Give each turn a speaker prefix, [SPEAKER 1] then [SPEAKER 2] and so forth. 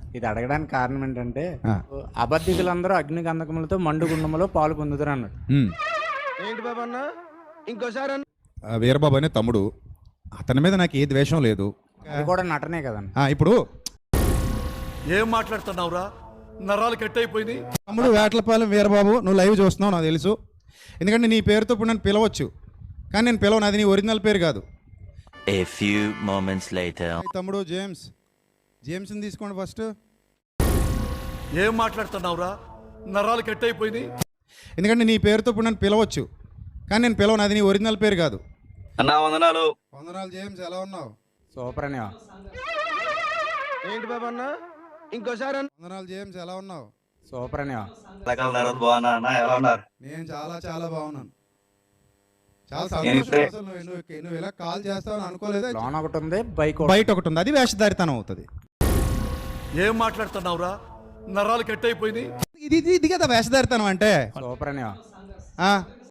[SPEAKER 1] ఇది అడగడానికి కారణం ఏంటంటే
[SPEAKER 2] ఆ.
[SPEAKER 1] అబద్ధికులందరూ అగ్నిగంధకములతో మండు గుండములో పాలు పొందుతారు అన్నాడు.
[SPEAKER 3] ఏంటి బాబు అన్న ఇంకోసారి అన్న
[SPEAKER 2] వీరబాబు అనే తమ్ముడు, అతని మీద నాకు ఏ ద్వేషం లేదు.
[SPEAKER 1] అది కూడా నటనే కదండి.
[SPEAKER 2] ఇప్పుడు
[SPEAKER 4] ఏం మాట్లాడుతున్నావురా? నరాలు కట్ అయిపోయినాయి.
[SPEAKER 2] తమ్ముడు వేటలపాలెం వీరబాబు, నువ్వు లైవ్ చూస్తున్నావు నాకు తెలుసు. ఎందుకంటే నీ పేరుతో ఇప్పుడు నన్ను పిలవచ్చు, కానీ నేను పిలవను, అది నీ ఒరిజినల్ పేరు కాదు.
[SPEAKER 5] A few moments later.
[SPEAKER 2] తమ్ముడు జేమ్స్ని తీసుకోండి ఫస్ట్.
[SPEAKER 4] ఏం మాట్లాడుతున్నావురా? నరాలు కట్ అయిపోయినాయి.
[SPEAKER 2] ఎందుకంటే నీ పేరుతో ఇప్పుడు నన్ను పిలవచ్చు, కానీ నేను పిలవను, అది నీ ఒరిజినల్ పేరు కాదు.
[SPEAKER 6] అన్నా వందనాలు.
[SPEAKER 2] వందనాలు జేమ్స్, ఎలా ఉన్నావు?
[SPEAKER 1] సూపర్ అని
[SPEAKER 3] ఏంటి బాబు అన్న ఇంకోసారి అన్న
[SPEAKER 2] వందనాలు జేమ్స్, ఎలా ఉన్నావు?
[SPEAKER 1] సూపర్ అని
[SPEAKER 6] బాగున్నా అన్న, ఎలా ఉన్నారు?
[SPEAKER 2] నేను చాలా బాగున్నాను. చాలా
[SPEAKER 6] నేను
[SPEAKER 2] సంతోషం. అసలు నువ్వు ఇలా కాల్ చేస్తావని అనుకోలేదా?
[SPEAKER 1] లోన్ ఒకటి ఉంది, బైక్
[SPEAKER 2] బయట ఒకటి ఉంది, అది వేషధారితనం అవుతుంది.
[SPEAKER 4] ఏం మాట్లాడుతున్నావురా? నరాలు కట్ అయిపోయినాయి.
[SPEAKER 2] ఇది కదా వేషధారితనం అంటే.
[SPEAKER 1] సూపర్ అని
[SPEAKER 2] ఆ,